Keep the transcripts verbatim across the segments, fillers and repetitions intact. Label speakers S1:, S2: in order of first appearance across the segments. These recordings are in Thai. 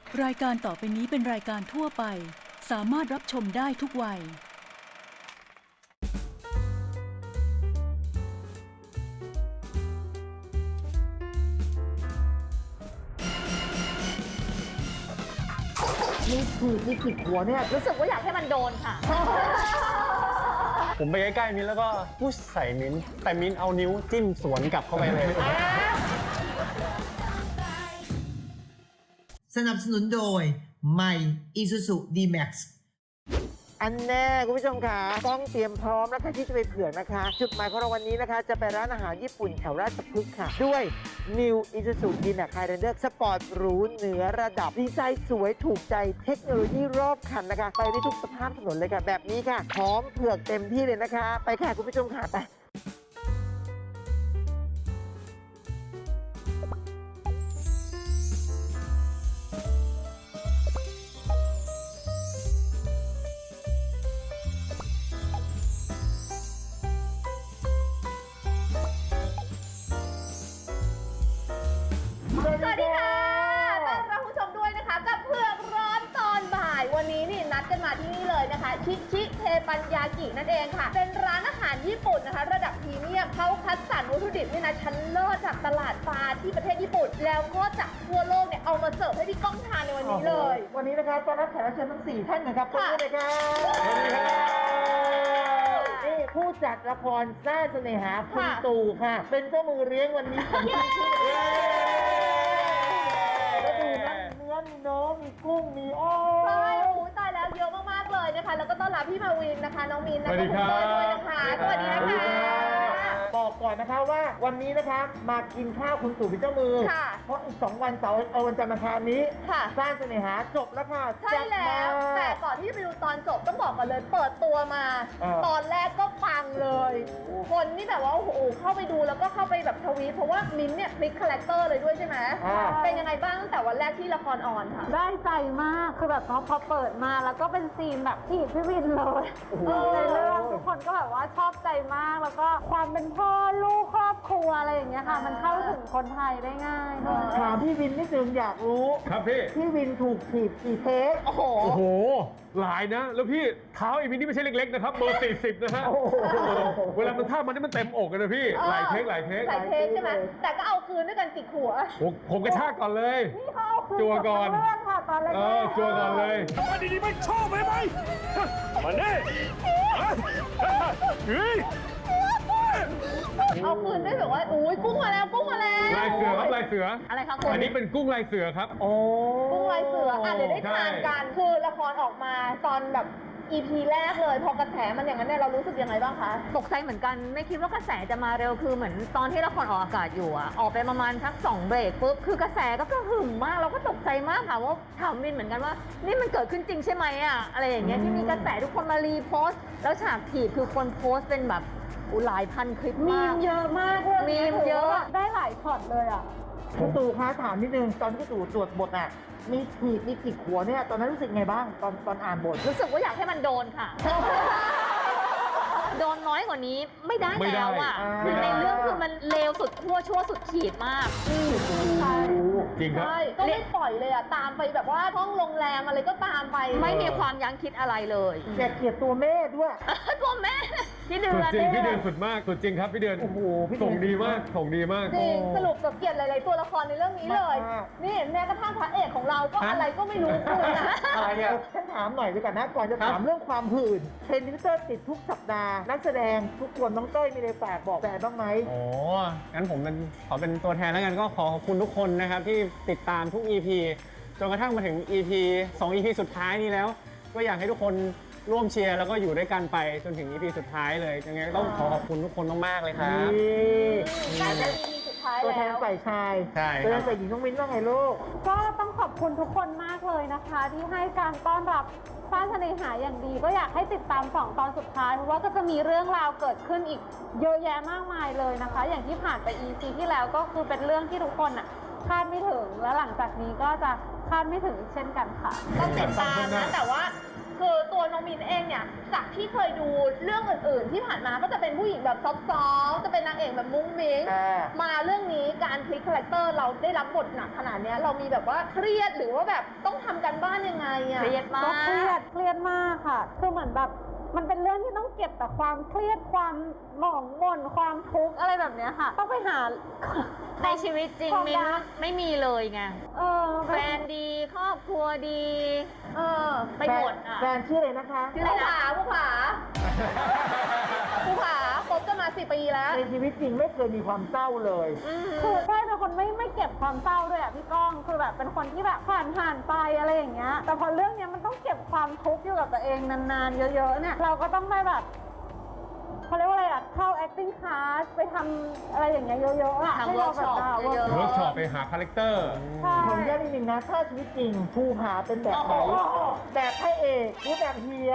S1: รายการต่อไปนี้เป็นรายการทั่วไปสามารถรับชมได้ทุกวัย
S2: นี่คือที่ขิดหัวเนี่ยรู้สึกว่าอยากให้มันโดนค่ะ
S3: ผมไปใกล้ๆมิ้นแล้วก็พุชใส่มิ้นแต่มิ้นเอานิ้วจิ้มสวนกลับเข้าไปเลย
S4: สนับสนุนโดยใหม่ Isuzu D-Max
S2: อันแน่คุณผู้ชมค่ะต้องเตรียมพร้อมนะคะที่จะไปเผือกนะคะ จุดหมายของเราวันนี้นะคะจะไปร้านอาหารญี่ปุ่นแถวราชพฤกษ์ค่ะ ด้วย New Isuzu D-Max Highlander สปอร์ตหรูเหนือระดับดีไซน์สวยถูกใจเทคโนโลยีรอบคันนะคะ ไปได้ทุกสภาพถนนเลยค่ะ แบบนี้ค่ะพร้อมเผือกเต็มที่เลยนะคะ ไปค่ะคุณผู้ชมค่ะไป
S5: สวัสดีค่ะต้อนรับผู้ชมด้วยนะคะกับเผือกร้อนตอนบ่ายวันนี้นี่นัดกันมาที่นี่เลยนะคะชิชิเทปัญญากินั่นเองค่ะเป็นร้านอาหารญี่ปุ่นนะคะระดับพรีเมียมเขาคัดสรรวัตถุดิบนี่นะชั้นเลิศจากตลาดปลาที่ประเทศญี่ปุ่นแล้วก็จากทั่วโลกเนี่ยเอามาเสิร์ฟให้พี่ก้องทานในวันนี้เลย
S2: วันนี้นะคะต้อนรับแขกรับเชิญทั้งสี่ท่านนะครับต้อนรับเลยค่ะนี่ผู้จัดละครซ่าเสน่หาคุณตู่ค่ะ เป็นเจ้ามือเลี้ยงวันนี้ของชิชิแล้วดูนะเนื้อมีน้องมีกุ้งมีอ้อ
S5: ใช่โอ้ยตายแล้วเยอะมากๆเลยนะคะแล้วก็ต้อนรับพี่มาวินนะคะน้องมิน
S3: สวัสดีครับ
S5: ณเต้ยด้วยนะคะสวัสดีนะคะ
S2: บอกก่อนนะคะว่าวันนี้นะคะมากินข้าวคุณตู่เป็นเจ้ามือ
S5: ค่ะ
S2: เพราะอีกสองวันเสาร์เอาวันจันทร์มาทานนี้
S5: ค่ะ
S2: สร้างเสน่หาจบแล้วค่ะ
S5: ใช่แล้ว
S2: แซ่
S5: แต่
S2: บมาก
S5: ก่อนที่จะไปดูตอนจบต้องบอกกันเลย เปิดตัวมา
S2: เออ
S5: ตอนแรกก็ปังเลย คนนี่แบบว่าโอ้โหเข้าไปดูแล้วก็เข้าไปแบบทวีตเพราะว่ามิ้นท์เนี่ยพลิกคาแรคเตอร์เลยด้วยใช่ไหม
S2: อ่า
S5: เป็นยังไงบ้างตั้งแต่วันแรกที่ละครออนค่ะ
S6: ได้ใจมากคือแบบพอพอเปิดมาแล้วก็เป็นซีนแบบที่พี่วินเลยเออในเรื่องทุกคนก็แบบว่าชอบใจมากแล้วก็ความเป็นพ่อลูกครอบครัวอะไรอย่างเงี้ยค่ะ มันเข้าถึงคนไทยได้ง่ายด้วย
S2: ถามพี่วินนิดนึงอยากรู้
S3: ครับพี่
S2: พี่วินถูกถีบกี่เทป
S5: โอ้โห
S3: โอ้โห หลายนะ แล้วพี่เท้าไอ้มินนี่ไม่ใช่เล็กๆนะครับเบอร์สี่สิบนะฮะ
S2: โอ้โห
S3: เวลามันท่ามันนี่มันเต็มอกเลยนะพี่ หลายเทคหลายเทค
S5: หลายเทคใช่ไหมแต่ก็เอาคืนด้วยกันจิกหัว
S3: ผมผมกระชากก่อนเลย
S6: นี่เขาเอาคืน
S3: จัวก่อน
S6: บทั้งเรื่องค่ะตอนแรก
S3: เออจัวก่อนเลย
S7: มาดีๆไม่ชอบไหมไหมมาเน่เฮ้ย
S5: เอาคืนด้วยแบบว่าอุ้ยกุ้งมาแล้วกุ้งมาแล้ว
S3: ลายเสือครับลายเสือ
S5: อะไรคะคุณ
S3: อันนี้เป็นกุ้งลายเสือครับ
S2: โอ้
S5: กุ้งลายเสืออ่ะเดี๋ยวได้ทานกัน คือละครออกมาตอนแบบ อี พี แรกเลย พอกระแสมันอย่างนั้นเนี่ยเรารู้สึกยังไงบ้างคะ
S8: ตกใจเหมือนกันไม่คิดว่ากระแสจะมาเร็วคือเหมือนตอนที่ละครออกอากาศอยู่อะออกไปประมาณทักสองเบรกปุ๊บคือกระแสก็กระหึ่มมากเราก็ตกใจมากค่ะว่าถามมินเหมือนกันว่า นี่มันเกิดขึ้นจริงใช่ไหมอะอะไรอย่างเงี้ยที่มีกระแสทุกคนมารีโพสต์แล้วฉากถีบคือคนโพสต์เป็นแบบอุยหลายพันคลิป
S6: มี
S8: มาก
S6: มเยอะมากเรื่อง
S8: มี
S6: นี้
S8: มเยอะ
S6: ได้หลายช็อตเลยอ่ะ
S2: คุณตู่คะถามนิดนึงตอนที่คุณตู่ตรวจบทอ่ะมีถีบมีจิกหัวเนี่ยตอนนั้นรู้สึกไงบ้างตอนตอนอ่านบท
S8: รู้สึกว่าอยากให้มันโดนค่ะ โดนน้อยกว่านี้ไม่ได้
S3: ไม่ได้
S8: แล้วอ่ะ
S2: ไม่
S8: คือ
S2: ได้
S8: ในเรื่องคือมันเลวสุดขั้วชั่วสุดขีดมาก
S5: ใช่
S3: จริงครับ
S5: ใช่ก็ไม่ปล่อยเลยอ่ะ ตามไปแบบว่าห้องโรงแรมอะไรก็ตามไป
S8: ไม่มีความยั้งคิดอะไรเลย
S2: แกเกลียดตัวแม่ด้วย
S8: ตัวแม่พี่เดื
S3: สุ
S8: อ
S3: ด
S8: น
S3: จริงพี่เดือนสุดมากสุดจริงครับพี่เดือน
S2: โอ้โหพี่เดือน
S3: ส่งดีมากส่งดีมาก
S5: จริงสรุปกับเกลียดหลาย ๆ ตัวละครในเรื่องนี้เลย
S2: มาก
S5: นี่แม้กระทั่งพระเอกของเราก็
S3: ฮะ
S5: อะไรก็ไม่รู้คุณนะ
S3: อะไรเนี่ย
S2: ฉันถามหน่อยดีกว่านะก่อนจะถามเรื่องความหื่นเทรนด์ทวิตเตอร์ติดทุกสัปดาห์นักแสดงทุกคนน้องเต้ยมีอะไรฝากบอกแฟนบ้างไหม
S3: โอ้งั้นผมเป็นขอเป็นตัวแทนแล้วกันก็ขอขอบคุณทุกคนนะครับที่ติดตามทุก อี พี จนกระทั่งมาถึง อี พี สอง อี พี สุดท้ายนี้แล้ว ก็อยากให้ทุกคนร่วมเชียร์แล้วก็อยู่ด้วยกันไปจนถึง อี พี สุดท้ายเลยยังไงก็ต้องขอขอบคุณทุกคนมากๆเลยครับ
S2: นี่
S5: แต่เป็น อี พี สุดท้าย
S2: ตัวแทน
S5: แล้ว
S2: ฝ่ายชาย
S3: ใช่
S2: ตัวแท
S3: ครั
S2: น
S3: บ
S2: ฝ่ายหญิงน้องมิ้นว่าไงลูก
S6: ก็ต้องขอบคุณทุกคนมากเลยนะคะ ที่ให้การต้อนรับฟ้าเสน่หาอย่างดี ก็อยากให้ติดตามสองตอนสุดท้ายเพราะว่าก็จะมีเรื่องราวเกิดขึ้นอีกเยอะแยะมากมายเลยนะคะ อย่างที่ผ่านไป อี พี ที่แล้วก็คือเป็นเรื่องที่ทุกคนอ่ะคาดไม่ถึง แล้วหลังจากนี้ก็จะคาดไม่ถึงอีกเช่นกันค่ะ
S5: ต้องติดตามนะแต่ว่าคือตัวน้องมินเองเนี่ยจากที่เคยดูเรื่องอื่นๆ ที่ผ่านมาก็จะเป็นผู้หญิงแบบซอฟต์ๆจะเป็นนางเอกแบบมุ้งมิ้ง
S2: อ่า
S5: มาเรื่องนี้การพลิกคาแรคเตอร์เราได้รับบทหนักขนาดเนี้ยเรามีแบบว่าเครียดหรือว่าแบบต้องทำกันบ้านยังไงอะ
S8: เครียดมา
S6: ก็
S8: ก
S6: เครียดเครียดมากค่ะ คือเหมือนแบบมันเป็นเรื่องที่ต้องเก็บแต่ความเครียดความหมองหม่นความทุกข์อะไรแบบเนี้ยค่ะ ต้องไปหา
S8: ในชีวิตจริง
S6: ความ
S8: มิน
S6: รัก
S8: ไม่มีเลยไง
S6: เออ
S8: แฟนดีครอบครัวดี
S5: เออ
S8: ไปหมดอ่ะ
S2: แฟนชื่ออะไรนะคะ
S5: ชื่ออะไรนะผู้ผาผู้ผาคบกันมาสี่ปีแล้ว
S2: ในชีวิตจริงไม่เคยมีความเศร้าเลย
S6: คือใช่เป็นคนไม่ไม่เก็บความเศร้าด้วยอ่ะพี่ก้อง คือแบบเป็นคนที่แบบผ่านผ่านไปอะไรอย่างเงี้ย แต่พอเรื่องเนี้ยมันต้องเก็บความทุกข์อยู่กับตัวเองนานๆเยอะๆเนี่ยเราก็ต้องไปแบบเขาเรียกว่าอะไรอ่ะเข้า acting class ไปทำอะไรอย่างเงี้ยเยอะๆอ่ะ
S8: ทำ
S6: ให้เราแบบ
S8: workshop เยอะๆ
S7: เวิร์กช็อปไปหาคาแรคเตอร์
S6: ใช่
S2: ผมแยกนิดนึงนะ ถ้าชีวิตจริงภูผาเป็นแบบไหนแบบพระเอกหรือแบบเฮีย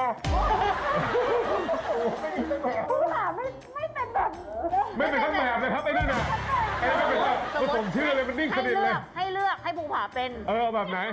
S2: ไม่มีเป็นแบบ
S6: ผู้หาไม่ไม่เป็นแบบ
S7: ไม่เป็นทั้งแบบเลยครับไอ้นั่นน่ะไอ้นั่นเป็นแบบผสมชื่อเลยมันนิ่งส
S8: ให้
S7: นิท
S8: เลื
S7: เล
S8: อย กให้เลือกให้ภูผาเป็น
S7: เออแบบไหน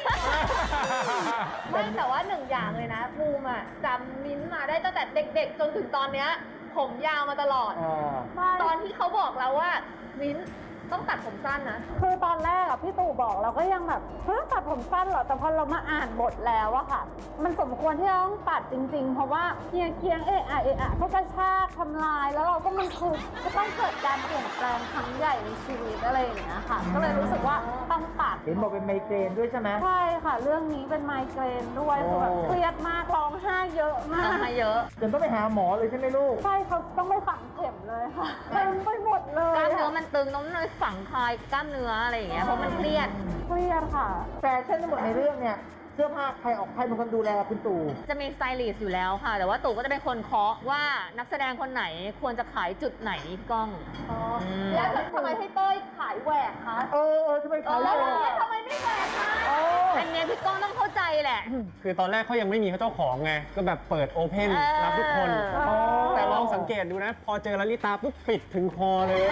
S5: ไม่แต่ว่าหนึ่งอย่างเลยนะภูมิอะจำมิ้นท์มาได้ตั้งแต่เด็กๆ จนถึงตอนเนี้ยผมยาวมาตลอด
S2: อ่า
S6: ใช่
S5: ตอนที่เขาบอกเราว่ามิ้นท์ต้องตัดผมสั้นนะ
S6: คือตอนแรกอะพี่ตู่บอกเราก็ยังแบบเฮ้ยตัดผมสั้นเหรอ แต่พอเรามาอ่านบทแล้วอะค่ะ มันสมควรที่เราต้องตัดจริงๆ เพราะว่าเฮียเคียงเอะอะเอะอะก็กระชากทำลาย แล้วเราก็มันคือจะต้องเกิดการเปลี่ยนแปลงครั้งใหญ่ในชีวิตอะไรอย่างเงี้ยค่ะ ก็เลยรู้สึกว่าต้องตัด
S2: เห็นบอกเป็นไมเกรนด้วยใช่ไหม
S6: ใช่ค่ะ เรื่องนี้เป็นไมเกรนด้วยคือแบบเครียดมากร้องไห้เยอะมาก
S8: ทำมาเยอะ
S2: จนต้องไปหาหมอเลยใช่ไหมลูก
S6: ใช่เขาต้องไปฝังเข็มเลยค่ะเต็มไปหมดเลย
S8: กล้ามเนื้อ
S6: อะ
S8: มันตึงน้องเลยฝังคลายกล้ามเนื้ออะไรอย่างเงี้ยเพราะมันเครียด
S6: เครียดค่ะ
S2: แฟชั่นทั้งหมดในเรื่องเนี่ย เสื้อผ้าใครออกใครเป็นคนดูแลคุณตู่
S8: จะมีสไตลิสต์อยู่แล้วค่ะ แต่ว่าตู่ก็จะเป็นคนเคาะว่านักแสดงคนไหนควรจะขายจุดไหนพี่ก้อง
S5: อ๋อ
S8: ม
S5: แล้วทำไมให้เต้ยขายแหวกคะ
S2: เออเออทำไมเขา
S5: แล้ว
S2: เล
S5: ทำไม
S2: ย
S5: ทำไมไม่แหวกคะ
S2: โอ้
S8: อันเนี้ยพี่ก้องต้องเข้าใจแหละ
S3: คือตอนแรกเขายังไม่มีเจ้าของไง ก็แบบเปิดโอเพน
S8: เออ
S3: รับทุกคน
S6: อ๋อ
S3: แต่ลองสังเกตดูนะ พอเจอลลิตาปุ๊บปิดถึงคอเลย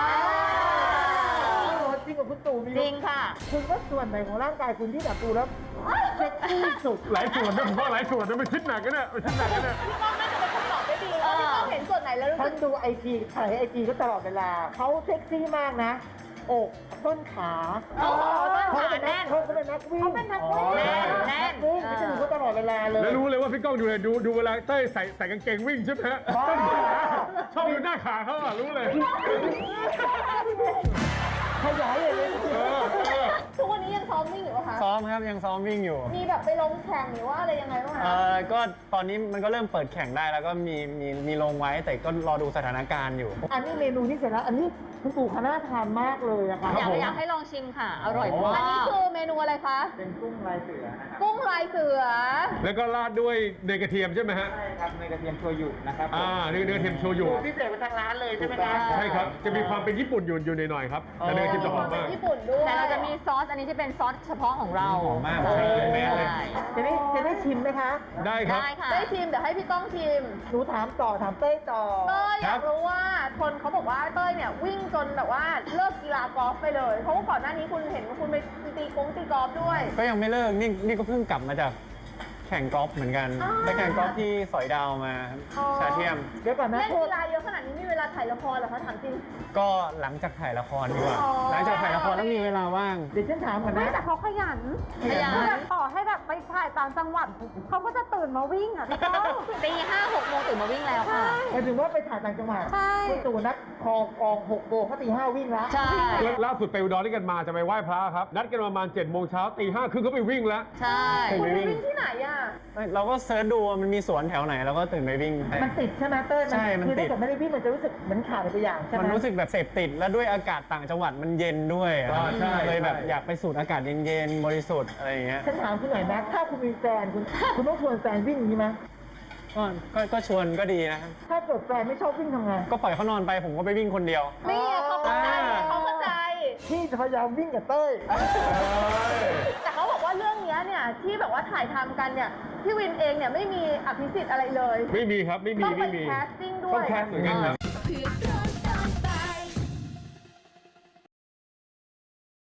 S2: จริงกับคุณตู่มี
S8: จริงค่ะ
S2: คุณว่าส่วนไหนของร่างกายคุณที่แบบดูแล้วเซ็กซี่สุด
S7: หลายส่วนนะผมว่าหลายส่วนนะมันคิดหนักกันเนี่ยมันคิดหนักกันเนี่ย
S5: พี่ก้องน่าจะเป็นคำตอบได้ดีเพราะพี่ก้องเห็นส่วนไหนแล้วรู้
S2: ฉั
S5: สึ
S2: น
S5: ก
S2: ดูไอจีถ่ายไอจีก็ตลอดเวลา เขาเซ็กซี่มากนะ อกต้นขา
S8: โอ้โหต้นขา
S2: เป็น
S8: แน่น
S2: เขาเป็นนักวิ่ง
S6: เขาเป็นนักวิ่ง
S2: อ๋อ
S8: แน่นแน่น
S2: กวิ่งฉันดูเขาตลอดเวลาเลย
S7: แล้วรู้เลยว่าพี่ก้องดูเลยดูดูเวลาเต้ยใส่ใส่กางเกงวิ่งใช่ไหมฮะ
S2: อ๋อ
S7: ชอบดูหน้าขาเขาอ่ะรู้เลย
S2: ขยายเลย
S7: เออเออ
S5: ทุกวันนี้ยังซ้อมวิ่งอยู่ปะคะ
S3: ซ้อมครับยังซ้อมวิ่งอยู่
S5: มีแบบไปลงแข่งหรือว่าอะไรยังไงบ้าง
S3: เอ
S5: คะ
S3: อก็ตอนนี้มันก็เริ่มเปิดแข่งได้แล้วก็มีมีมีลงไว้แต่ก็รอดูสถานการณ์อยู่
S2: อันนี้เมนูที่เสร็จแล้ว อันนี้คุณปู่คณะทานมากเลยอะค่ะ
S8: อยากอยากให้ลองชิมค่ะ อร่อยมา
S5: อันนี้
S8: ก
S5: คือเมนูอะไรคะ
S2: เป็นกุ้งลายเสือนะครับ
S5: กุ้งลายเสือ
S7: แล้วก็ราดด้วยเนยกระเทียมใช่ไหมฮะ
S2: ใช่ครับเนยกระเทียมโชยุนะครับ
S7: อ่าเนยเนยกระเทียมโชยุ
S2: พิเศษเป็นทางร้านเลยใช่ไหมครับ
S7: ใช่ครับ จะมีความเป็นญี่ปุ่นอยู่อยู่หน่อยๆครับแต่เนยกระเทียมจะหอมมาก
S5: ญี่ปุ่นด้วย
S8: แต่เราจะมีซอสอันนี้ที่เป็นซอสเฉพาะของเรา
S3: หอมมาก
S8: ใช่
S3: แม่เลย
S2: จะได้จะได้ชิมไหมคะ
S7: ได้ครับ
S8: ได้ค่ะ
S5: ได้ชิมเดี๋ยวให้พี่ก้องชิม
S2: หนูถามต่อถามเต้ยต่อ
S5: เต้ยอ
S3: ครั
S5: ยา
S3: บ
S5: กรู้ว่าคนเขาบอกว่าเต้ยเนี่ยวิ่งจนแบบว่าเลิกกีฬากอล์ฟไปเลย เพราะว่าก่อนหน้านี้คุณเห็นว่าคุณไปตีกงตีกอล์ฟด้วย
S3: ก็ยังไม่เลิกนี่นี่ก็เพิ่งกลับมาจากแข่งกอล์ฟเหมือนกัน
S5: อ๋อ
S3: ไปแข่งกอล์ฟที่สอยดาวมาครับ
S5: อ๋อ
S3: ชาเทียม
S2: เดี๋ยวก่อนนะ
S5: เล่น
S2: โทษ
S5: กีฬาเยอะขนาดนี้มีเวลาถ่ายละครเหรอคะถามจริง
S3: ก็หลังจากถ่ายละครดีกว่า
S5: อ๋อ
S3: หลังจากถ่ายละครแล้วมีเวลาว่าง
S2: เดี๋ยวฉันถามก่อน
S6: ไม่
S2: นะ
S6: แต่เขาขยัน
S8: ขยัน
S6: แบบต่อให้แบบไปถ่ายต่างจังหวัดเขาก็จะตื่นมาวิ่งอ่ะพี่ก้อง
S8: ตีห้าหกโมงตื่นมาวิ่งแล้วค่ะ
S2: หมายถึงว่าไปถ่ายต่างจังหวัด
S6: ใช่
S2: คุณตู่นัดคอกองหกโมงเขาตีห้าวิ่งแล้ว
S8: ใช่
S7: แล้วล่าสุดไปอุดรด้วยกันมาจะไปไหว้พระครับ นัดกันประมาณ7จ็ดโมงเช้าตีห้าครึ่งก็ไปวิ่งแล้ว
S8: ใช่
S3: ตื่น
S5: คุณ
S3: ไป
S5: ไป
S3: วิ่ง
S5: วิ่งที่ไหนอ่ะ
S3: ไม่เราก็เซิร์ชดูว่ามันมีสวนแถวไหนเราก็ตื่นไปวิ่ง
S2: มันติดใช่ไหมเต้ย
S3: ใช่มัน
S2: คือ
S3: ติ
S2: ถ้า
S3: ด
S2: เกิดไม่ได้วิ่งมันจะรู้สึกเหมือนขาดอะไรไปอย่างใช่ไหม
S3: มันรู้สึกแบบเสพติดแล้วด้วยอากาศต่างจังหวัดมันเย็นด้วยอะ
S7: อ่าใช่
S3: เลยแบบ
S7: ใช่
S3: อยากไปสูดอากาศเย็นๆบริสุทธิ์อะไรอย่างเงี้ย
S2: ฉันถามคุณหน่อยนะถ้าคุณมีแฟนคุณคุณต้องชวนแฟนวิ่งอย่างนี้ไหม
S3: ก็ก็ก็ชวนก็ดีนะครับ
S2: ถ้าเกิดแฟนไม่ชอบวิ่งทำไง
S3: ก็ปล่อยเขานอนไปผมก็ไปวิ่งคนเดียว
S5: นี่ไงเขาเข้าใจ
S3: อ่า
S5: เขาเข้าใจ
S2: พี่จะพยายามวิ่งกับเต้ย
S5: แต่เขาบอกว่าเรื่องเนี้ยเนี่ยที่แบบว่าถ่ายทำกันเนี่ยพี่วินเองเนี่ยไม่มีอภิสิทธิ์อะไรเลย
S7: ไม่มีครับไม่มี
S5: ต้องไป
S7: ไม่มี
S5: แคสติ้งด้
S7: ต้
S5: ว
S7: อง
S5: ย
S7: แคสเหมือนกันครับ
S9: เพื่อร้อนตอนบ่าย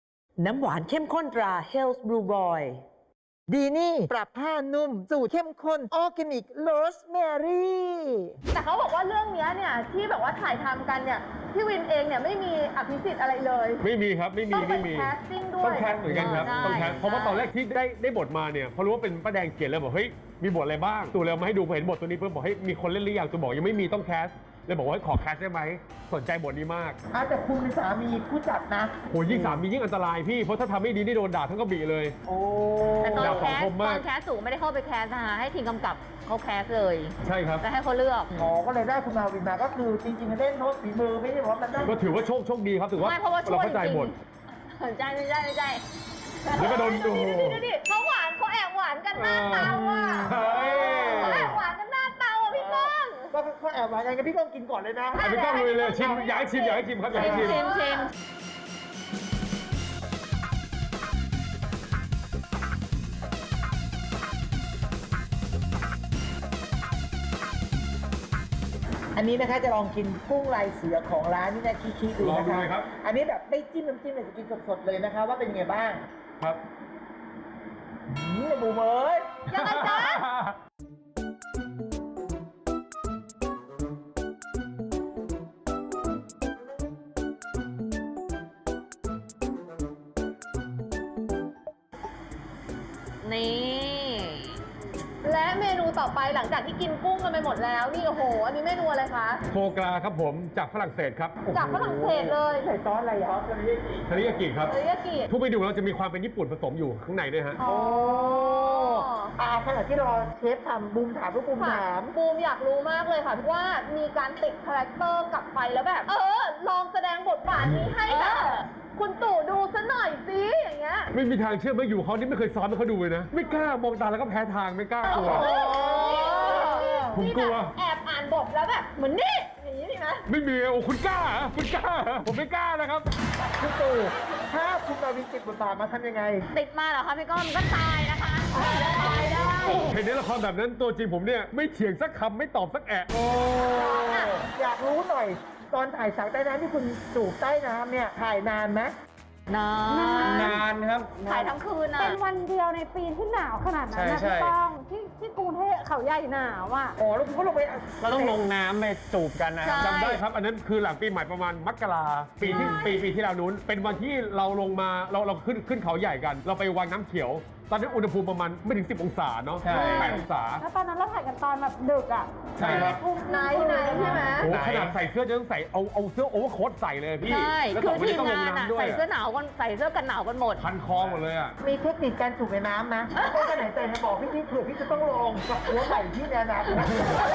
S2: น้ำหวานเข้มข้นตรา Health Blue Boy ดีนี่ปรับผ้านุ่มสูตรเข้มข้นออร์แกนิกโรสแมรี่
S5: แต่เขาบอกว่าเรื่องเนี้ยเนี่ยที่แบบว่าถ่ายทำกันเนี่ยพี่วินเองเนี่ยไม่มีอภิสิทธิ์อะไรเลย
S7: ไม่มีครับไม่มี
S5: ต้องเป็
S7: ไม่
S5: น
S7: มี
S5: แคสติ้งด้วย
S7: ต้องแคสเหมือนกันครับ
S8: ใช่
S7: ต้องแคสเพราะว่า
S8: ใช่
S7: ตอนแรกที่ได้ได้บทมาเนี่ยพอรู้ว่าเป็นป้าแดงเขียนเลยบอกเฮ้ยมีบทอะไรบ้างตู่เลยเอามาให้ดูพอเห็นบทตัวนี้เพิ่มบอกให้ยมีคนเล่นหรือยังตู่บอกยังไม่มีต้องแคสเลยบอกว่าขอแคสได้ไหมสนใจบทนี้มาก
S2: อาจจะคุณเป็นสามีผู้จัดนะ
S7: โหยิ่งสามียิ่งอันตรายพี่เพราะถ้าทำไม่ดีนี่โดนด่าทั้งกระบี่เลย
S2: โอ้
S8: แต่ตอน
S7: ดาว
S8: แค
S7: สอง
S8: ส
S7: คม
S8: ต
S7: มาก
S8: อนแคสสูงไม่ได้เข้าไปแคสนะคะให้ทีมกำกับเขาแคสเลย
S7: ใช่ครับ
S8: แล้วให้เขาเลือก
S2: หมอก็เลยได้คุณมาวินมาก็คือจริงๆเล่นโน้ตฝีมือไม่ใช่ว่ามันได้
S7: ก็ถือว่าโชคโชคดีครับถือว่า
S8: ไม่เพราะว่าช่วย
S7: เราเข้าใจ
S8: จริง
S7: หมด
S8: สนใจไม่ใช่ไม่ใช่
S7: แล้วก็โดนดู
S5: ดูดิดูดิเขาหวานเขาแอบหวานกันหน้าเตาอ่ะ
S7: เฮ้ย
S5: เขาแอบหวานกันหน้าเตาอ่ะพี่ก้อง
S2: ก็เขาแอบหวานกันพี่ก้องกินก่อนเลยนะ
S7: อ่ะพี่ก้องลุยเลยชิมอยากให้ชิมอยากให้ชิมครับอยากให้ชิม
S8: ชิมชิม
S2: อันนี้นะคะจะลองกินกุ้งลายเสือของร้านนี่นะคิๆดู
S7: ลอง
S2: นะ
S7: ดู
S2: คะ
S7: เลยครับ
S2: อันนี้แบบไม่จิ้มน้ำจิ้มเลยจะกินสดๆเลยนะคะว่าเป็นยังไงบ้าง
S7: ครับ
S2: อืมบูมเอ้ย
S5: ยังไงจ๊ะ
S8: นี่
S5: และเมนูต่อไปหลังจากที่กินกุ้งกันไปหมดแล้วนี่โอ้โห อันนี้เมนูอะไรคะ
S7: โฟกราครับผมจากฝรั่งเศสครับ
S5: จากฝรั่งเศสเลย
S2: ใส่ซอสอะไรอ่ะ
S7: ทาริยากิครับ
S5: เทริยากิ
S7: ทุกเมนูเราจะมีความเป็นญี่ปุ่นผสมอยู่ข้างในด้วยฮะ
S5: อ๋อ
S2: อ่าขณะที่รอเชฟทำบูมถามลูกบูม
S5: ค่ะ
S2: ถาม
S5: บูมอยากรู้มากเลยค่ะว่ามีการติดคาแรคเตอร์กลับไปแล้วแบบ เออ ลองแสดงบทบาทนี้ให้แบบคุณตู่ดูซะหน่อยสิอย่างเงี้ย
S7: ไม่มีทางเชื่อไม่อยู่เขานี่ไม่เคยซ้อมให้เขาดูเลยนะ ไม่กล้ามองตาแล้วก็แพ้ทางไม่กล้ากลัว
S5: โอ้โห
S7: ผมกลัว
S5: นี่แบบแอบอ่านบทแล้วแบบเหมือนนี่อย่างนี้ดีไหม
S7: ไม่มีโอ้คุณกล้าเหรอคุณกล้าเหรอผมไม่กล้านะครับ
S2: คุณตู่ถ้าคุณมาวินติดบทบาทมาทำยังไง
S8: ติดมาเหรอคะพี่ก้องมันก็ตายนะคะ
S5: ตายได้
S7: เห็นในละครแบบนั้นตัวจริงผมเนี่ยไม่เถียงสักคำไม่ตอบสักแอะ
S2: โอ้อยากรู้หน่อย ตอนถ่ายสาวใต้น้ำที่คุณจูบใต้น้ำเนี่ยถ่ายนานไหม
S8: นาน
S3: นานครับ
S8: ถ่ายทั้งคืนอ่ะ
S6: เป็นวันเดียวในปีที่หนาวขนาดนั้นนะ
S3: ใช่
S6: พี่
S3: ใช่
S6: ป้องที่ที่กรุงเทพเขาใหญ่หนาวอ่ะ
S2: อ๋อแล้วคุณก็ลงไป
S3: เราต้องลงน้ำไปจูบกันนะครับ
S8: ใช่
S7: จำได้ครับ อันนั้นคือหลังปีใหม่ประมาณมกราปีที่ปีปีที่แล้วนู้น เป็นวันที่เราลงมาเราเราขึ้นขึ้นเขาใหญ่กัน เราไปวังน้ำเขียว ตอนนั้นอุณหภูมิประมาณไม่ถึงสิบองศาเนาะ
S3: ใช่
S7: แปดองศา
S6: แล้วตอนนั้นเราถ่ายกันตอนแบบดึกอ่ะ
S7: ใช่ครับ
S5: ไหนไหนใช่ไหม
S7: โอ้
S3: ไหน
S7: ขนาดใส่เสื้อจะต้องใส่เอาเอาเสื้อโอเวอร์โค้ทใส่เลยพี่
S8: ใช่
S7: แล้ว
S8: คื
S7: ส
S8: อ
S7: องคน
S8: ที
S7: นี้
S8: ม
S7: ต้องล
S8: งาง นอ่ะ
S7: น้ำด้วย
S8: ใส่เสื้อหนาวกันใส่เสื้อกันหนาวกันหมด
S7: พันคอหมดเลยอ่ะ
S2: มีเทคนิคการจูบในน้ำนะก็ขนาดใจให้บอกพี่พี่เผื่อพี่จะต้องลงกับหัวใหม่ที่แนนาคต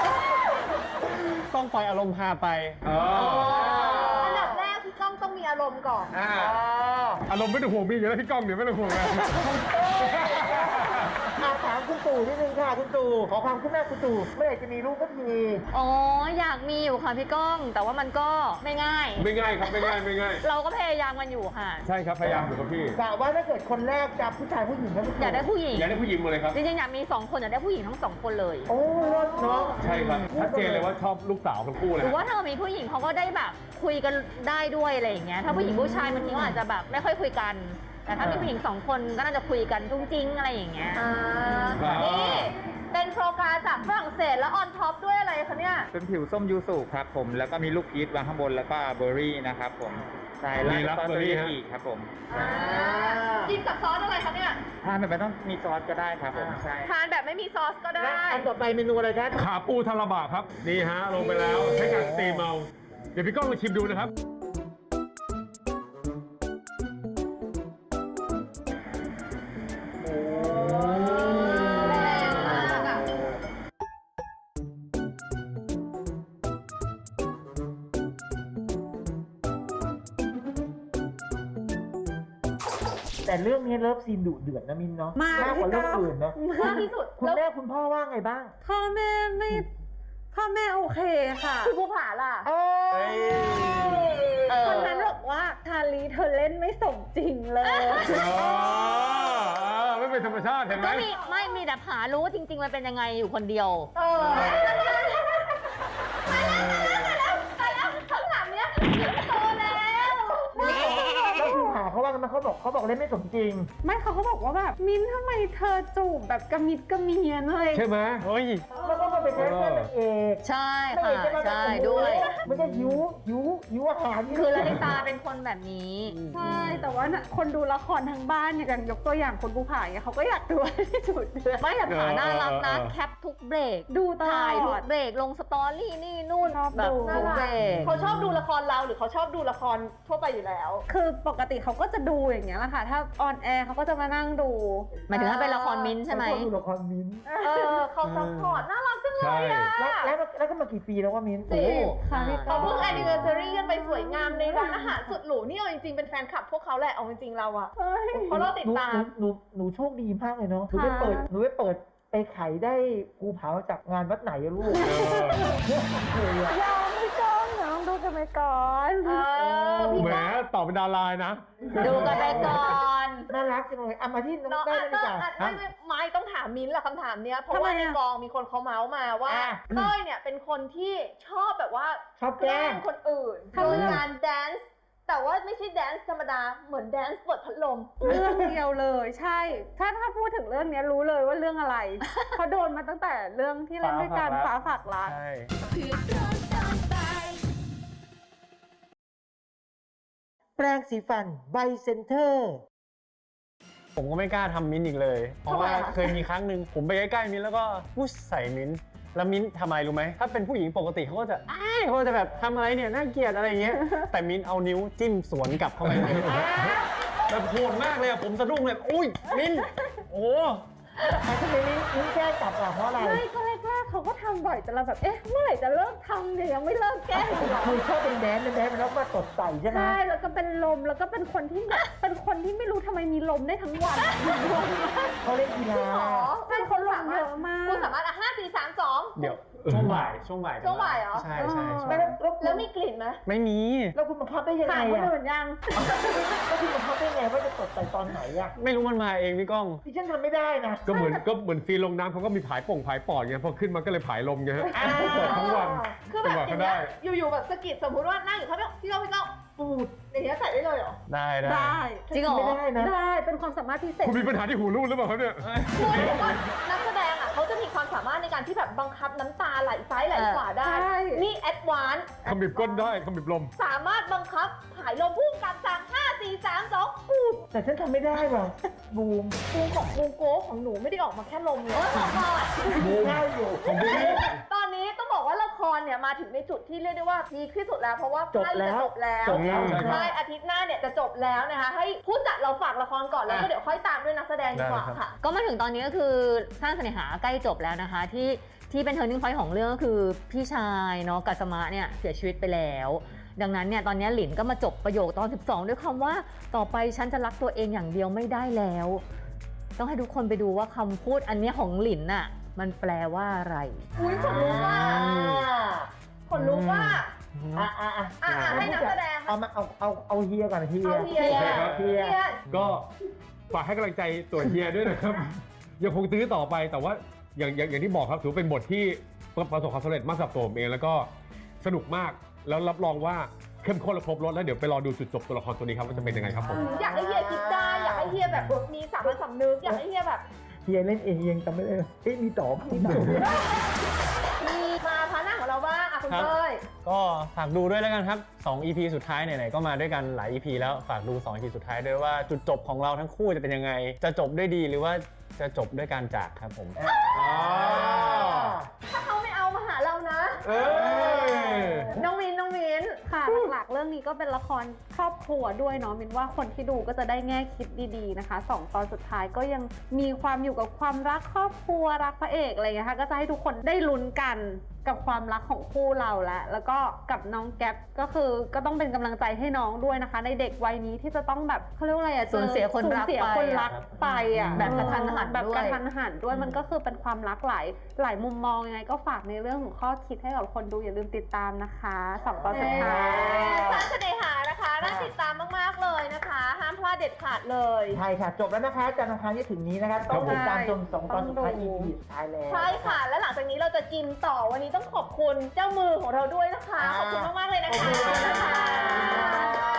S3: ต้องปล่อยอารมณ์พาไป
S7: เออ
S5: อันดับแรกพี่ก้องต้องมีอารมณ์ก่อน
S7: อ่าอารมณ์ไม่ต้องห่วงมีอยู่แล้วพี่ก้องเดี๋ยวไม่ต้องห่วงเลย
S2: อาถามคุณตู่นิดนึงค่ะคุณตู่ขอความคืบหน้าคุณตู่เมื่อไหร่จะมีลูกก็ที
S8: อ๋อ อยากมีอยู่ค่ะพี่ก้อง แต่ว่ามันก็ไม่ง่าย
S7: ไม่ง่ายครับไม่ง่ายไม่ง่าย
S8: เราก็พยายามกันอยู่ค่ะ
S7: ใช่ครับพยายามอยู่ครับพี่
S2: กะว่าถ้าเกิดคนแรกจะผู้ชายผู้หญิงนะคุณตู่
S8: อยากได้ผู้หญิง
S7: อยากได้ผู้หญิงหมดเลยครับ
S8: จริงๆอยากมีสองคนอยากได้ผู้หญิงทั้งสองคนเลย
S2: โอ้รถเนาะ
S7: ใช่ครับชัดเจนเลยว่าชอบลูกสาวทั้งคู่เลย
S8: หรือว่า
S7: ฮะ
S8: ถ้ามีผู้หญิงเขาก็ได้แบบคุยกันได้ด้วยอะไรอย่างเงี้ย ถ้าผู้หญิงผู้ชายบางทีก็อาจจะแบบไม่ค่อยคุยกัน แต่ถ้ามีผู้หญิงสองคนก็น่าจะคุยกันจุ้งจิ้งอะไรอย่างเงี้ย
S5: อ่า นี่เป็นโปรการจากฝรั่งเศสแล้วออนท็อปด้วยอะไรคะเนี่ย
S9: เป็นผิวส้มยูสุครับผม แล้วก็มีลูกพีชวางข้างบนแล้วก็เบอร์รี่นะครับผม ใช่แล้ว
S7: มี
S9: ก็ซอสเบอร์รี่
S7: raspberry
S9: อีกครับผม
S5: อ่า กินกับซอสอะไรคะเนี่ย
S9: ทานแบบไม่ต้องมีซอสก็ได้ครับผม ใช่
S5: ทานแบบไม่มีซอสก็
S2: และ
S5: ได้
S2: อันต่อไปเมนูอะไรครับ
S7: ขาปูทาราบะครับ นี่ฮะ ลงไปแล้วใช้การสตรีมเอาเดี๋ยวพี่ก้องลองชิมดูนะครับ
S5: แรงมากอะ
S2: แต่เรื่องนี้เลิฟซีนดุเดือดนะมินเนาะ
S6: มาก
S2: มากกว่าเรื่องอื่นเนาะ
S5: มากที่สุด
S2: คุณ
S5: แล้ว
S2: แม่คุณพ่อว่าไงบ้าง
S6: พ่อแม่ไม่พ่อแม่โอเคค่ะ
S5: คุณภูผาล่ะ
S2: เอ้ย
S8: เออ
S6: คนนั้นบอกว่าทาลีเธอเล่นไม่สมจริงเลย
S7: อ๋อไม่เป็นธรรมชาติเห็นไหม
S8: ก็มีไม่มีแต่ผารู้จริง ๆ มันเป็นยังไงอยู่คนเดียว
S5: เออไปแล้วข้างหลังเนี้ยโตแล้ว
S2: แล้วคุณหาเขาว่าไงแล้วมันเขาบอกเขาบอกเล่นไม่สมจริง
S6: ไม่เขาเขาบอกว่าแบบมิ้นท์ทำไมเธอจูบแบบกระมิดกระเมียนเลย
S7: ใช่ไหม
S3: เฮ้ย
S2: แล้วก็มาเป็นแคสเตอร์นางเอก
S8: ใช่
S2: นาง
S8: ค่ะ
S2: เอกจะมา
S8: ใช่
S2: แบบ
S8: ด้วย
S2: มันจะหิวหิวหิวอาหาร
S8: คือลลิตาเป็นคนแบบนี้
S6: ใช่ แต่ว่าน่ะคนดูละครทั้งบ้านเนี่ยอย่างยกตัวอย่างคนภูผาเนี่ยเขาก็อยากดูที่สุดเดือน
S8: ไม่แต่ผาน่ารักนะ
S3: เออเออ
S8: แคปทุกเบรก
S6: ดูตลอด
S8: ถ่ายทุกเบรกลงสตอรี่นี่นู่น
S6: ชอบ
S8: แบบ
S6: ดู
S8: ทุกเบรก
S5: เขาชอบดูละครเราหรือเขาชอบดูละครทั่วไปอยู่แล้ว
S6: คือปกติเขาก็จะดูอย่างเงี้ยแหละค่ะ ถ้าออนแอร์เขาก็จะมานั่งดู
S8: หมายถึงถ้าเป็นละครมิ้นท์ใช่ไหม
S2: เขาดูละครมิ้นท์
S5: เออเขาซัพพอร์ตน่ารักจังเล
S7: ใช่
S5: ยอ่ะ
S2: แล้วแล้วแล้วก็มากี่ปีแล้วว่ามิ้นท์
S5: จริง
S6: ค่ะพี่
S5: เขาเพิ่ง anniversary กันไปสวยงามในร้านอาหารสุดหรูนี่เอาจริงๆเป็นแฟนคลับพวกเขาแหละเอาจริงๆเราอะ
S6: เฮ้ย
S5: เพราะเราติดตาม
S2: หนูหนูหนูโชคดีมากเลยเนาะหนูไป
S6: ค่ะ
S2: เปิดหนูไปเปิดไปไขได้ภูผาจากงานวัดไหนอะลูก
S6: ยอมไม่จ้องเดี๋ยวต้องดูกันไปก่อน
S5: เออพี่
S7: แหม
S5: ก้อง
S7: ตอบเป็นดารานะ
S8: ดูกันไปก่อน
S2: น่ารักจังเลยเอามาที่น้อง
S5: น้อง
S2: เต้
S5: อ่ะ
S2: ยดี
S5: เต้
S2: ก
S5: ย
S2: ว่า
S5: อ่ะไม่ไม่ไม่ต้องถามมิ้นท์ละคำถามเนี้ยเพราะว่าในกองมีคนเขาเมาส์มาว่า
S2: อ่ะ
S5: เต้ยเนี่ยเป็นคนที่ชอบแบบว่า
S2: ชอบแกล้ง
S5: คนอื่นโดยการแดนซ์แต่ว่าไม่ใช่แดนซ์ธรรมดาเหมือนแดนซ์เปิดพัดลม
S6: เรื่องเดียวเลยใช่ ถ้าถ้าพูดถึงเรื่องเนี้ยรู้เลยว่าเรื่องอะไร เพราะโดนมาตั้งแต่เรื่องที่เล่นด้วยกันฟ้าฝากรัก
S3: ใช่
S2: แปรงสีฟันไบเซนเตอร์
S3: ผมก็ไม่กล้าทำมิ้นท์อีกเลย เพราะว่า
S5: ทำไมอะ
S3: เคยมีครั้งหนึ่งผมไปใกล้ๆมิ้นท์แล้วก็พุชใส่มิ้นท์แล้วมิ้นท์ทำไมรู้ไหมถ้าเป็นผู้หญิงปกติเขาก็จะอ้ายเขาก็จะแบบทำอะไรเนี่ยน่าเกลียดอะไรอย่างเงี้ย แต่มิ้นท์เอานิ้วจิ้มสวนกลับเข้าไปเลยแบบโหดมากเลยอะผมสะดุ้งเลยอุ้ยมิ้นท์โอ้
S2: แต่ทำไมมิ้นมิ้นแกล้งกลับล่ะเพราะอะไร
S6: ไม่ก็แรกๆเขาก็ทำบ่อยแต่เราแบบ เอ๊ะ เมื่อไหร่จะเลิกทำเนี่ยยังไม่เลิกแกล้งอีกเหรอ
S2: คือชอบเป็นแดนซ์เป็นแดนซ์แล้วมาตดใส่ใช่ไหม
S6: ใช่ แล้วก็เป็นลม แล้วก็เป็นคนที่แบบเป็นคนที่ไม่รู้ทำไมมีลมได้ทั้งวัน
S2: เขาเล่นกีฬา
S5: อ๋อ
S6: ใช่เขาลงเยอะมาก
S5: คุณสามารถอ่ะห้าสี่สามสอง
S3: เดี๋ยวช่วงบ่ายช่วงบ่าย
S5: ช่วงบ่ายเหรอ
S3: ใช่ใช่ใช่
S2: แล้วแล้ว
S5: แล้วมีกลิ่นไหม
S3: ไม่มี
S2: แล้วคุณบังคับได้ยังไง
S6: ถามคน
S2: อ่ะ
S6: อื่นยัง
S2: แล้วคุณบังคับได้ยังไงว่าจะตดใส่ตอนไหนอ่ะ
S3: ไม่รู้มันมาเองพี่ก้อง
S2: ดิฉันทำไม่ได้นะ
S7: ก็เหมือนก็เหมือนซีนลงน้ำเขาก็มีผายป่งผายปอดไงพอขึ้นมาก็เลยผายลมไงฮะเปิดทั้งวัน
S5: คือแบบ
S7: จังหวะ
S5: อ
S7: ก็
S5: ย่าง
S7: ได้
S5: เงี้ยอยู่ๆแบบสะกิดสมมติว่านั่งอยู่เขาแบบพี่ก้องพี่ก้องปูดอย่างเงี้ยใส่ได้เลยเหรอ
S3: ได้ได้
S6: ได้
S8: จริงเหรอ
S2: ไม่ได้นะ
S6: ได้ เป็นความสามารถพิเศษ
S7: คุณมีปัญหาที่หูรูดหรือเปล่าครับเนี่ย
S5: คือเดี๋ยวก่อนนักแสดงอ่ะเขาจะมีความสามารถในการที่แบบบังคับน้ำตาไหลซ้ายไหลขวาได้
S6: ใช่
S5: นี่แอดวานซ์
S7: ขมิบก้นได้ขมิบลม
S5: สามารถบังคับผายลมพุ่งกับสั่งห้าสี่สามสองปูด
S2: แต่ฉันทำไม่ได้ว่ะบูม
S5: ปูของปูโก้ของหนูไม่ได้ออกมาแค่ลมเลย
S2: บูมได้อยู่
S5: ตอนนี้ต้องบอกว่าละครเนี่ยมาถึงในจุดที่เรียกได้ว่าพีคที่สุดแล้วเพราะว่า
S2: จบ
S5: ใกล้
S2: แล้
S5: จะ
S2: ว
S5: จบแล้ว
S2: จบแล้ว
S5: ใช่อาทิตย์หน้าเนี่ยจะจบแล้วนะคะให้ผู้จัดเราฝากละครก่อนแล้วก็เดี๋ยวค่อยตามด้วยนักแสดงดีกว่า
S3: ได้ครับ
S5: ค่ะ
S8: ก็มาถึงตอนนี้ก็คือสร้างเสน่หาใกล้จบแล้วนะคะ ที่ที่เป็น turning point ของเรื่องก็คือพี่ชายเนาะกัสมะเนี่ยเสียชีวิตไปแล้ว ดังนั้นเนี่ยตอนนี้หลินก็มาจบประโยคตอนสิบสองด้วยคำว่าต่อไปฉันจะรักตัวเองอย่างเดียวไม่ได้แล้ว ต้องให้ทุกคนไปดูว่าคำพูดอันเนี้ยของหลินน่ะมันแปลว่าอะไร
S5: อุ้ยขนลุกว่าขนลุกว่า
S2: อ่ะอ่ะอ่ะ
S5: อ่ะอ่ะให้นักแสดง
S2: เอามาเอาเอาเอาเฮียก่อนเฮีย
S5: เอาเฮีย
S7: โอเคครับ
S2: เฮีย
S5: เฮีย
S7: ก็ฝากให้กำลังใจตัวเฮียด้วยนะครับ ยังคงตื้อต่อไปแต่ว่าอย่างอย่างอย่างที่บอกครับถือว่าเป็นบทที่ประสบความสำเร็จมากสำหรับตัวผมเองแล้วก็สนุกมากแล้วรับรองว่าเข้มข้นและครบรสแล้วเดี๋ยวไปรอดูจุดจบตัวละครตัวนี้ครับว่าจะเป็นยังไงครับผม
S5: อยากให้เฮียคิดได้อยากให้เฮียแบบมีสามัญสำนึกอยากให้เฮียแบบ
S2: เฮียเล่นเองยังจำไม่ได้เลยเอ๊ะมีต่อมีต่อ
S5: มีมาพาหน้าของเราบ้างอ่ะคุณ
S3: ครับ
S5: เต้ย
S3: ก็ฝากดูด้วยแล้วกันครับสอง อี พี สุดท้ายไหนๆก็มาด้วยกันหลาย อี พี แล้วฝากดูสอง อี พี สุดท้ายด้วยว่าจุดจบของเราทั้งคู่จะเป็นยังไง จะจบด้วยดีหรือว่าจะจบด้วยการจากครับผม
S5: ถ้าเขาไม่เอามาหาเรานะ
S7: เออ
S5: น้องมินน้องมิน
S6: ค่ะหลักๆเรื่องนี้ก็เป็นละครครอบครัวด้วยเนาะมินว่าคนที่ดูก็จะได้แง่คิดดีๆนะคะสองตอนสุดท้ายก็ยังมีความอยู่กับความรักครอบครัวรักพระเอกอะไรอย่างเงี้ยค่ะก็จะให้ทุกคนได้ลุ้นกันกับความรักของคู่เราและแล้วก็กับน้องแก๊ปก็คือก็ต้องเป็นกำลังใจให้น้องด้วยนะคะ ในเด็กวัยนี้ที่จะต้องแบบเขาเรียกว่าอะไรอะ
S8: สูญเสียคนรัก
S6: สูญเสียคนรักไปอะ
S8: แบบกระทันหัน
S6: แบบ
S8: ด้วย
S6: กระทันหันด้วยมันก็คือเป็นความรักหลายหลายมุมมองยังไงก็ฝากในเรื่องของข้อคิดให้กับคนดูอย่าลืมติดตามนะคะสองตอนสุดท้าย
S5: สร้างเสน่หานะคะน่าติดตามมากๆเลยนะคะ ห้ามพลาดเด็ดขาดเลย
S2: ใช่ค่ะ จบแล้วนะคะจันทร์อังคารที่ถึงนี้นะครับ ต้องติดตามชมสองตอนสุดท้าย อี พี สุดท้ายแล้ว
S5: ใช่ค่ะ และหลังจากนี้เราจะกินต่อวันนี้ต้องขอบคุณเจ้ามือของเราด้วยนะคะ ขอบคุณมากๆเลยนะคะ
S2: ขอบคุณค่ะ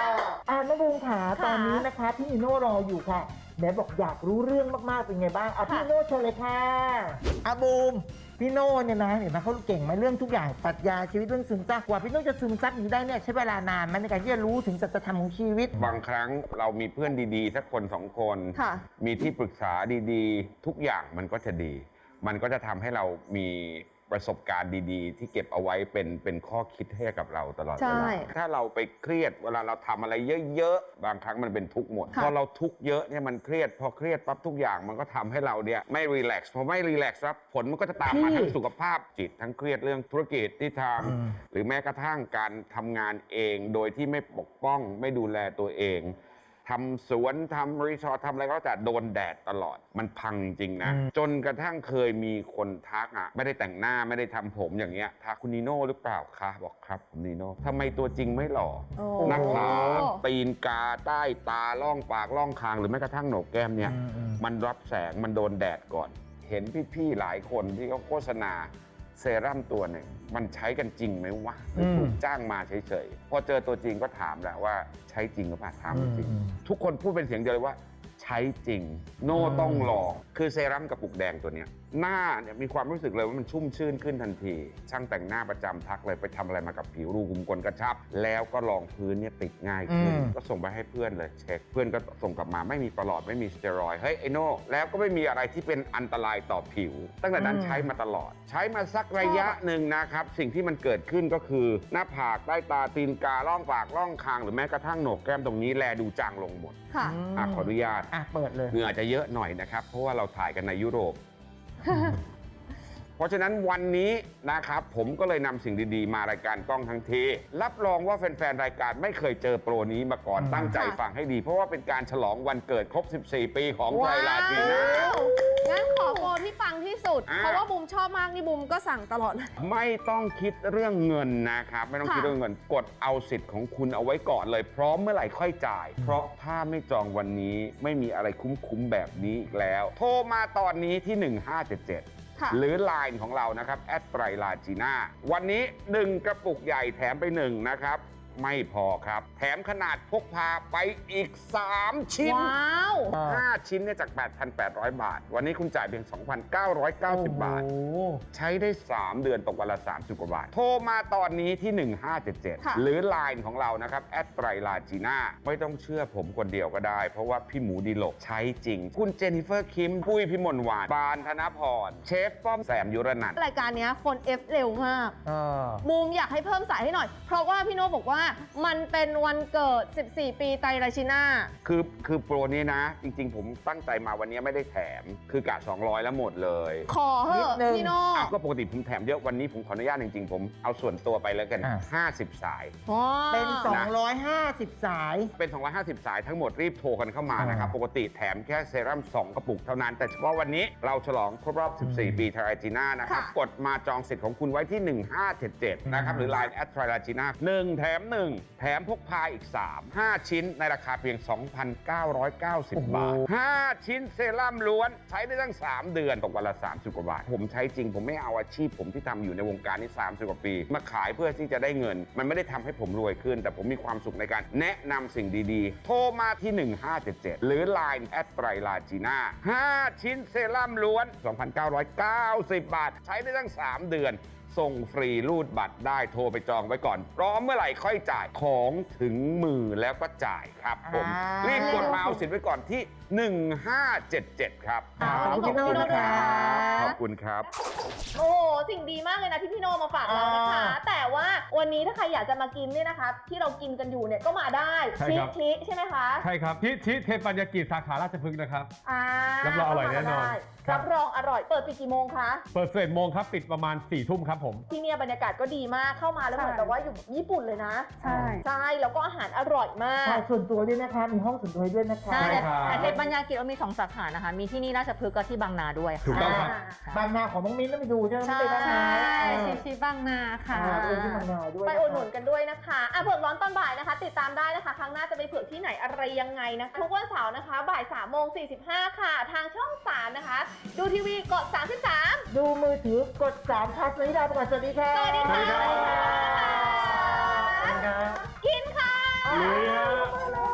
S2: อ่าน้องบูมขา
S5: ค่ะ
S2: ตอนนี้นะคะพี่นิโน่รออยู่ค่ะแหมบอกอยากรู้เรื่องมากๆเป็นไงบ้างอ่ะพี่นิโน่เชิญเลยค่ะอ่ะบูมพี่โน่เนี่ยนะเห็นไหมเขาเก่งไหมเรื่องทุกอย่างปรัชญาชีวิตเรื่องซึมซับกว่าพี่โน่จะซึมซับนี้ได้เนี่ยใช้เวลานานไหมในการที่จะรู้ถึงสัจธรรมของชีวิต
S10: บางครั้งเรามีเพื่อนดีๆสักคนสองคน
S5: ค่ะ
S10: มีที่ปรึกษาดีๆ ทุกอย่างมันก็จะดี มันก็จะทำให้เรามีประสบการณ์ดีๆ ที่เก็บเอาไว้เป็นเป็นข้อคิดให้กับเราตลอดเว
S5: ใช่
S10: ลาถ้าเราไปเครียดเวลาเราทำอะไรเยอะๆ บางครั้งมันเป็นทุกข์หมด
S5: ค่ะ
S10: พอเราทุกข์เยอะเนี่ยมันเครียดพอเครียดปั๊บทุกอย่างมันก็ทำให้เราเนี่ยไม่รีแลกซ์พอไม่รีแลกซ์ครับผลมันก็จะตามมาทั้งสุขภาพจิตทั้งเครียดเรื่องธุรกิจที่ทำหรือแม้กระทั่งการทำงานเองโดยที่ไม่ปกป้องไม่ดูแลตัวเองทำสวนทำรีสอร์ททำอะไรก็แต่โดนแดดตลอดมันพังจริงๆนะ
S2: อืม
S10: จนกระทั่งเคยมีคนทักอ่ะไม่ได้แต่งหน้าไม่ได้ทำผมอย่างเงี้ยทักคุณนีโน่หรือเปล่าคะบอกครับผมนีโน่ทำไมตัวจริงไม่หล่อ
S5: โอ้
S10: หน้าผากตีนกาใต้ตาล่องปากล่องคางหรือแม้กระทั่งโหนกแก้มเนี่ย มันรับแสงมันโดนแดดก่อน เห็นพี่ๆหลายคนที่เขาโฆษณาเซรั่มตัวหนึ่งมันใช้กันจริงไหมวะหรือถูกจ้างมาเฉยๆพอเจอตัวจริงก็ถามแหละว่าใช้จริงหรือเปล่าถามจริง ทุกคนพูดเป็นเสียงเดียวเลยว่าใช้จริง โน่ต้องลองคือเซรั่มกระปุกแดงตัวเนี้ยหน้าเนี่ยมีความรู้สึกเลยว่ามันชุ่มชื่นขึ้นทันที ช่างแต่งหน้าประจำทักเลยไปทำอะไรมากับผิวรูขุมขนกระชับ แล้วก็รองพื้นเนี่ยติดง่ายขึ้น
S2: อืม
S10: ก็ส่งไปให้เพื่อนเลยเช็คเพื่อนก็ส่งกลับมาไม่มีประหลอดไม่มีสเตียรอยด์เฮ้ยไอโน่แล้วก็ไม่มีอะไรที่เป็นอันตรายต่อผิว ตั้งแต่นั้นใช้มาตลอด ใช้มาสักระยะหนึ่งนะครับสิ่งที่มันเกิดขึ้นก็คือ หน้าผากใต้ตาตีนกาล่องปากล่องคางหรือแม้กระทั่งโหนกแก้มตรงนี้แลดูจางลงหมด
S5: ค่ะ
S10: อ่ะขออนุญาต
S2: อ่ะเปิดเลย
S10: เหงื่ออาจจะเยอะหน่อยนะครับ เพราะว่าเราถ่ายกันในยุโรป เพราะฉะนั้นวันนี้นะครับผมก็เลยนำสิ่งดีๆ มารายการกล้องทั้งที รับรองว่าแฟนๆ รายการไม่เคยเจอโปรนี้มาก่อนตั้งใจฟังให้ดี เพราะว่าเป็นการฉลองวันเกิดครบ สิบสี่ ปีของไทยลาจีน่า
S5: งั้นขอโปรที่ปังที่สุด
S10: อ่า
S5: เพราะว่าบูมชอบมากนี่บูมก็สั่งตลอดเลย
S10: ไม่ต้องคิดเรื่องเงินนะครับ ไม่ต้อง
S5: ค่ะ
S10: คิดเรื่องเงินกดเอาสิทธิ์ของคุณเอาไว้ก่อนเลย พร้อมเมื่อไหร่ค่อยจ่าย เพราะถ้าไม่จองวันนี้ไม่มีอะไรคุ้มๆแบบนี้อีกแล้ว โทรมาตอนนี้ที่ หนึ่งห้าเจ็ดเจ็ด
S5: ค่ะ
S10: หรือ ไลน์ ของเรานะครับแอดไตรลาจีน่าวันนี้หนึ่งกระปุกใหญ่แถมไปหนึ่งนะครับ ไม่พอครับ แถมขนาดพกพาไปอีก สาม ชิ้น
S5: ว้าว
S10: ห้า ชิ้นเนี่ยจาก แปดพันแปดร้อย บาท วันนี้คุณจ่ายเพียง สองพันเก้าร้อยเก้าสิบ บาท ใช้ได้ สาม เดือนตกวันละ สามสิบ กว่าบาท โทรมาตอนนี้ที่ หนึ่งห้าเจ็ดเจ็ด
S5: ค่ะ
S10: หรือ ไลน์ ของเรานะครับแอดไตรลาจีน่าไม่ต้องเชื่อผมคนเดียวก็ได้ เพราะว่าพี่หมูดีหลกใช้จริง คุณเจนนิเฟอร์คิม ปุ้ยพิมลวาน บานธนพร เชฟป้อมแสมยุรนันท์
S5: รายการเนี้ยคนเอฟเร็วมาก
S2: อ่า
S5: บูมอยากให้เพิ่มสายให้หน่อย เพราะว่าพี่โน่บอกว่ามันเป็นวันเกิด สิบสี่ ปีไตรราชิน่า
S10: คือคือโปรนี้นะ จริง ๆ ผมตั้งใจมาวันนี้ไม่ได้แถม คือกะสองร้อยแล้วหมดเลย
S5: ขอเห
S2: นิ
S5: อะ
S2: ดนึง
S5: พี่โน่
S10: อ้าวก็ปกติผมแถมเยอะวันนี้ผมขออนุญาตจริงๆ ผมเอาส่วนตัวไปแล้วกัน
S2: อ่ะ
S10: ห้าสิบ สาย
S5: ว้าว
S2: เป็น สองร้อยห้าสิบ สาย
S10: เป็น สองร้อยห้าสิบ สายทั้งหมดรีบโทรกันเข้ามานะครับ
S2: อ่า
S10: ปกติแถมแค่เซรั่มสองกระปุกเท่านั้น แต่เฉพาะวันนี้เราฉลองครบรอบ สิบสี่ ปีไทรจีน่านะครับ
S5: ค่ะ
S10: กดมาจองสิทธิ์ของคุณไว้ที่ หนึ่งห้าเจ็ดเจ็ด นะครับ หรือ ไลน์ แอดไทรจีน่าหนึ่งแถมหนึ่งแถมพกพาอีกสาม ห้า ชิ้นในราคาเพียง สองพันเก้าร้อยเก้าสิบ บาท ห้า ชิ้นเซรั่มล้วนใช้ได้ตั้ง สาม เดือนตกวันละ สามสิบ กว่าบาท ผมใช้จริงผมไม่เอาอาชีพผมที่ทำอยู่ในวงการนี้สามสิบ กว่าปี มาขายเพื่อที่จะได้เงิน มันไม่ได้ทำให้ผมรวยขึ้น แต่ผมมีความสุขในการแนะนำสิ่งดีๆ โทรมาที่ หนึ่งห้าเจ็ดเจ็ด หรือ ไลน์ แอดไตรลาจีน่าห้า ชิ้นเซรั่มล้วน สองพันเก้าร้อยเก้าสิบ บาท ใช้ได้ตั้ง สาม เดือน ส่งฟรีรูดบัตรได้โทรไปจองไว้ก่อนพร้อมเมื่อไหร่ค่อยจ่ายของถึงมือแล้วก็จ่ายครับผม
S2: อ่ารี
S10: รีบกดมาเอาสิทธิ์ไว้ก่อนที่ หนึ่งห้าเจ็ดเจ็ด ครับ
S2: ขอบคุณพี่โน่นะคะ
S10: ขอบคุณครับ
S5: โอ้โหสิ่งดีมากเลยนะที่พี่โน่มาฝากเรานะคะ
S2: อ่า
S5: แต่ว่าวันนี้ถ้าใครอยากจะมากินเนี่ยนะคะ ที่เรากินกันอยู่เนี่ยก็มาได้
S7: ใช่
S5: ชิ
S7: ครับ
S5: ชิใช่ไหมคะ
S7: ใช่ครับที่ที่เทปัญญากิจสาขาราชพฤกษ์นะครับ
S5: อ่า
S7: รับรองอร่อยแน่นอน
S5: ได้
S7: ครับ
S5: รับรองอร่อย เปิดปิดกี่โมงคะ
S7: เปิดสิบเอ็ดโมงครับ ปิดประมาณสี่ทุ่มครับผม
S5: ที่เนี่ยบรรยากาศก็ดีมากเข้ามาแล้วเหมือนแบบว่าอยู่ญี่ปุ่นเลยนะ
S6: ใช่
S5: ใช่แล้วก็อาหารอร่อยมาก
S2: ใช่ส่วนตัวด้วยนะคะ มีห้องส่วนตัวให้ด้วยนะคะ
S8: ใช่
S7: ครับ
S8: แต่เทปปัญญากิจเรามีสองสาขานะคะ มีที่นี่ราชพฤกษ์กับที่บางนาด้วย
S7: ถูกต้องครับ
S2: บางนาของน้องมิ้นต้องไปดูใช่ไหม
S8: ใช่
S2: ไม่ไปบางนา
S6: ใช่
S2: เออ
S6: ชิชิบางนาค่ะ
S2: อ่าไปที่บางนาด้วย
S5: ไปอุดหนุนกันด้วยนะคะอ่ะเผือกร้อนตอนบ่ายนะคะ ติดตามได้นะคะ ครั้งหน้าจะไปเผือกที่ไหนอะไรยังไงนะคะทุกวันเสาร์นะคะ บ่ายสามโมงสี่สิบห้าค่ะ ทางช่องสามนะคะ ดูทีวีกดสามสิบสาม
S2: ดูมือถือกดสามค่ะสวัสดีค่ะสวัสดีค่ะ
S5: สวัสดีค่ะ
S2: สวัสดีค่ะ
S5: กินค่ะ
S3: ลุยฮะ